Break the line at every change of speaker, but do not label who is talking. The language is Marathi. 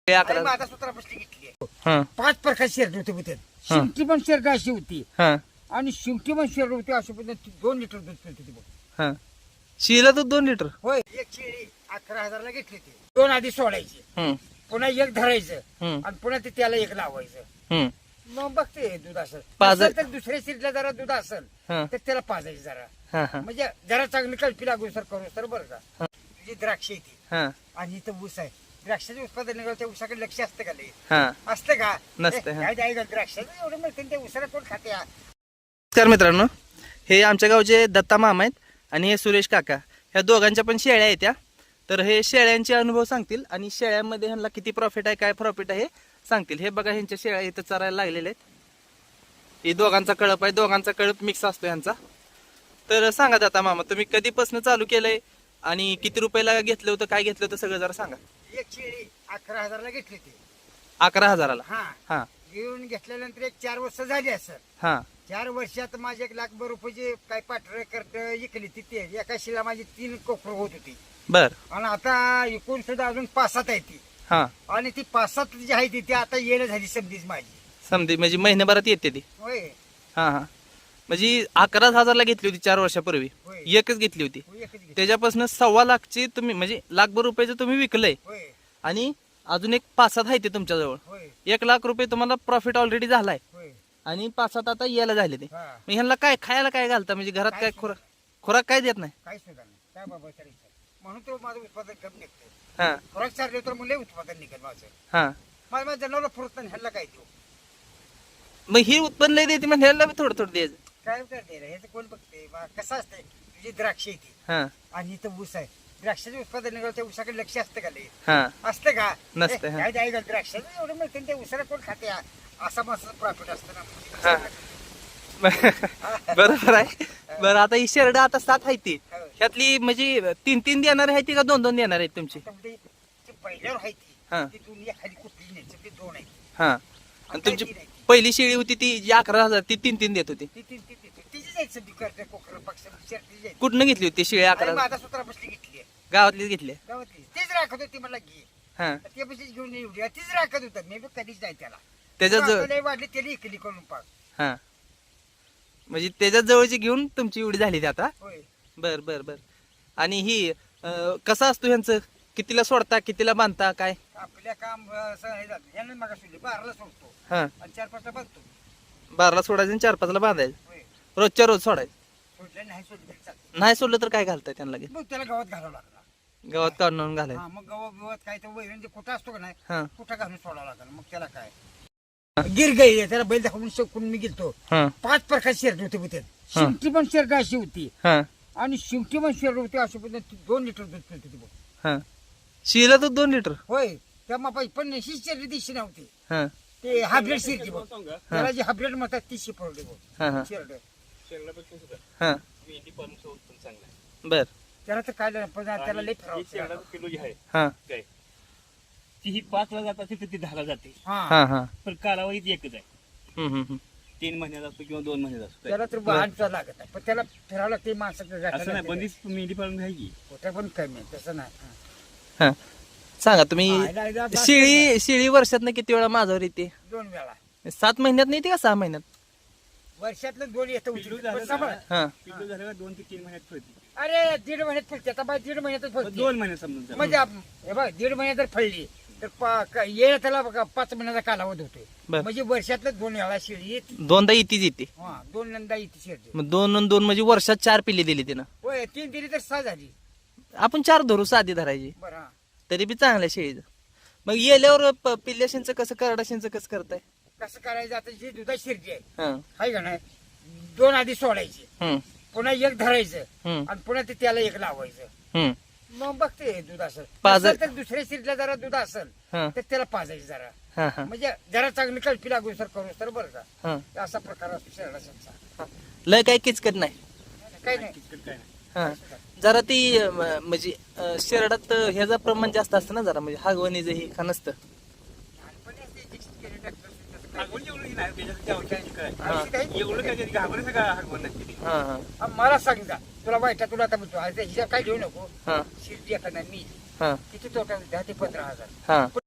11
माझा सूत्रा बसली घेतली
हा
5 प्रकार शेरड होते होते शिंगटी पण शेरड अशी होती
हा
आणि शिंगटी पण शेरड होती अशी पद्धत 2 लिटर दूध पिळत होती बघ.
हा शिला तर 2 लिटर
होय एक शेळी 11,000ला घेतली ती 2 आधी सोडायची पुन्हा एक धरायचं आणि पुन्हा ते त्याला एक लावायचं मग बघते दूध असेल तर दुसऱ्या शेळीला जरा दूध असेल तर त्याला पाजायचं जरा म्हणजे जरा चांगली कल्पी लागू सर करू सर बरं का जी द्राक्ष येते आणि इथं ऊस आहे द्राक्षाचे उत्पादन त्या ऊसाकडे लक्ष असतं का लई असतं का
नसतं
द्राक्षाचं एवढं मिळतं त्या ऊसाला कोण खाते
नमस्कार मित्रांनो, हे आमच्या गावचे दत्ता मामा आहेत आणि हे सुरेश काका. ह्या दोघांच्या पण शेळ्या आहेत त्या. तर हे शेळ्यांचे अनुभव सांगतील आणि शेळ्यांमध्ये ह्यांना किती प्रॉफिट आहे काय प्रॉफिट आहे हे सांगतील. हे बघा ह्यांच्या शेळ्या इथं चरायला लागलेल्या आहेत. हे दोघांचा कळप आहे, दोघांचा कळप मिक्स असतो ह्यांचा. तर सांगा दत्ता मामा, तुम्ही कधीपासून चालू केलंय आणि किती रुपयाला घेतलं होतं, काय घेतलं होतं सगळं जरा सांगा.
एक शेळी 11,000ला घेतली ती
11,000ला.
हा घेऊन घेतल्यानंतर एक 4 वर्ष झाली असं.
हा
4 वर्षात माझे 1,00,000 रुपयाची काय पाठर करत इकली तिथे एका शिला माझी 3 कोकर होत होती.
बर.
आणि आता एकूण सुद्धा अजून 5-7 आहे ती. आणि ती 5-7 जी आहे ती आता येणं झाली समधीच माझी.
समधी म्हणजे महिन्याभरात येते ती.
होय.
हा म्हणजे 11,000ला घेतली होती 4 वर्षापूर्वी. एकच घेतली होती. त्याच्यापासून 1.25 लाखची तुम्ही म्हणजे 1,00,000 रुपयाचं तुम्ही विकलंय आणि अजून एक 5-7 आहे ते तुमच्याजवळ. 1,00,000 रुपये तुम्हाला प्रॉफिट ऑलरेडी झालाय आणि 5-7 आता यायला झाले ते. मग ह्यांना काय खायला काय घालता म्हणजे घरात काय खुराक काय देत नाही?
काय सुद्धा नाही काय बाबा म्हणून तो माझं उत्पादन कमी निघतं. खुराक चालले तर मुले उत्पादन निघेल माझं. माझ्या जनावर फुरत नाही ह्याला काय देऊ.
मग ही उत्पन्न देते म्हणजे ह्याला थोडं थोडं द्यायचं.
काय करते रे ह्याचं कोण बघते कसं असतंय तुझी द्राक्ष येते आणि इथं ऊस आहे द्राक्षाचे उत्पादन निघालं त्या ऊसाकडे लक्ष असतं का लई असतं का
नसतं.
काय द्राक्षाचं एवढं मिळतं त्या ऊसाला कोण खाते असा माझं प्रॉफिट असतं ना.
बरोबर आहे. बरं आता ही शेरड आता 7 आहे ती ह्यातली म्हणजे 3-3 देणार आहे ती का 2-2 देणार आहेत तुमची?
पहिल्यावर आहे ती दोन्ही खाली कुठली नाही ते 2 आहे.
आणि तुमची पहिली शेळी होती ती जी 11,000 ती 3-3 देत होती. कुठनं घेतली होती शेळी? 11,000
माझा सूत्रा बसली घेतली
गावातलीच घेतली.
गावातली तीच राखत होती मला घे ते बशीच घेऊन एवढी तीच राखत होता मी कधीच नाही त्याला
त्याच्या
वाढली त्याला इकली करून पाक
म्हणजे त्याच्या जवळची घेऊन तुमची एवढी झाली ती आता. बर बर बर. आणि ही कसं असतो ह्यांचं? कितीला सोडता कितीला बांधता काय?
आपल्या काम ह्यानं मग 12ला सोडतो आणि 4-5ला बांधतो.
12ला सोडायचं आणि 4-5ला बांधायचं. रोजच्या रोज सोडायचं. नाही सोडलं तर काय घालताय त्यांना?
त्याला गावात घालावं लागला.
गावात काढून आणून घालायचं.
मग गावात काय तर वैरण कुठं असतो का नाही कुठं घालून सोडावं लागला. मग त्याला काय गिर गाई त्याला बैल दाखवून शकून मी गेलतो. 5 प्रकार शेरड होते होते शिंगटी पण शेरड अशी होती आणि शिंगटी पण शेरड होती अशी पद्धत 2 लिटर दूध पिळत होती बघ.
शिला तर 2 लिटर.
होय त्या मापाची पण ही शेरडी दिशी नव्हती. ते हायब्रिड शेरडी बघ त्याला जी हायब्रिड म्हणतात ती शिपवली बघ शेरड.
बर.
त्याला तर काय त्याला लई
फिरावं ती 5ला जात असेल तर ती 10ला जाते. पण कालावधीत एकच आहे. 3 महिन्यात असतो किंवा 2 महिन्यात असतो.
त्याला तर वाहनचा लागत आहे पण त्याला फिरावं लागते माणसाचं
असं नाही बंदिस्त मेंढी पाळून घ्यायची
कुठं पण कमी तसं नाही.
सांगा तुम्ही शेळी वर्षात किती वेळा माझ्यावर येते?
2 वेळा.
7 महिन्यात नाही येते का 6 महिन्यात?
वर्षातलं 2 येतं.
पिल्लू झालं 2 ते 3 महिन्यात फळते.
अरे 1.5 महिन्यात फळते आता बाय 1.5 महिन्यातच फळते.
2 महिन्यात समजा
म्हणजे हे बघ 1.5 महिन्यात जर फळली तर येणं त्याला 5 महिन्याचा कालावधी होतोय. म्हणजे वर्षातलं 2 वेळा शेळी येते.
2दा इतीच येते.
2दा येते शेळी.
मग 2 म्हणजे वर्षात 4 पिल्ली दिली तिनं.
होय 3 दिली तर 6 झाली.
आपण 4 धरू साधी धरायची
बरं
तरी बी चांगल्या शेळीचं. मग येल्यावर पिल्ल्याशींचं कसं करडाशींचं कसं करताय?
कसं करायचं आता जी दुधा शिरजी
हा
आहे का नाही 2 आधी सोडायची पुन्हा एक धरायचं आणि पुन्हा ते त्याला एक लावायचं. मग बघते दूध असेल तर दुसऱ्या शिरला जरा दूध असेल तर त्याला पाजायचं जरा म्हणजे जरा चांगली कल्पी लागू सर करू सर बरं का. असा प्रकार असतो शेरडाचा.
लय काही किचकट नाही
काही नाही.
जरा ती म्हणजे शेरडात ह्याचं प्रमाण जास्त असतं ना जरा म्हणजे हागवणीचं हे का नसतं?
मला सांग जा तुला वाईट तुला आता म्हणतो हिच्या काय घेऊ नको शिर्डी एखादा मी किती तोटा 10 ते 15,000.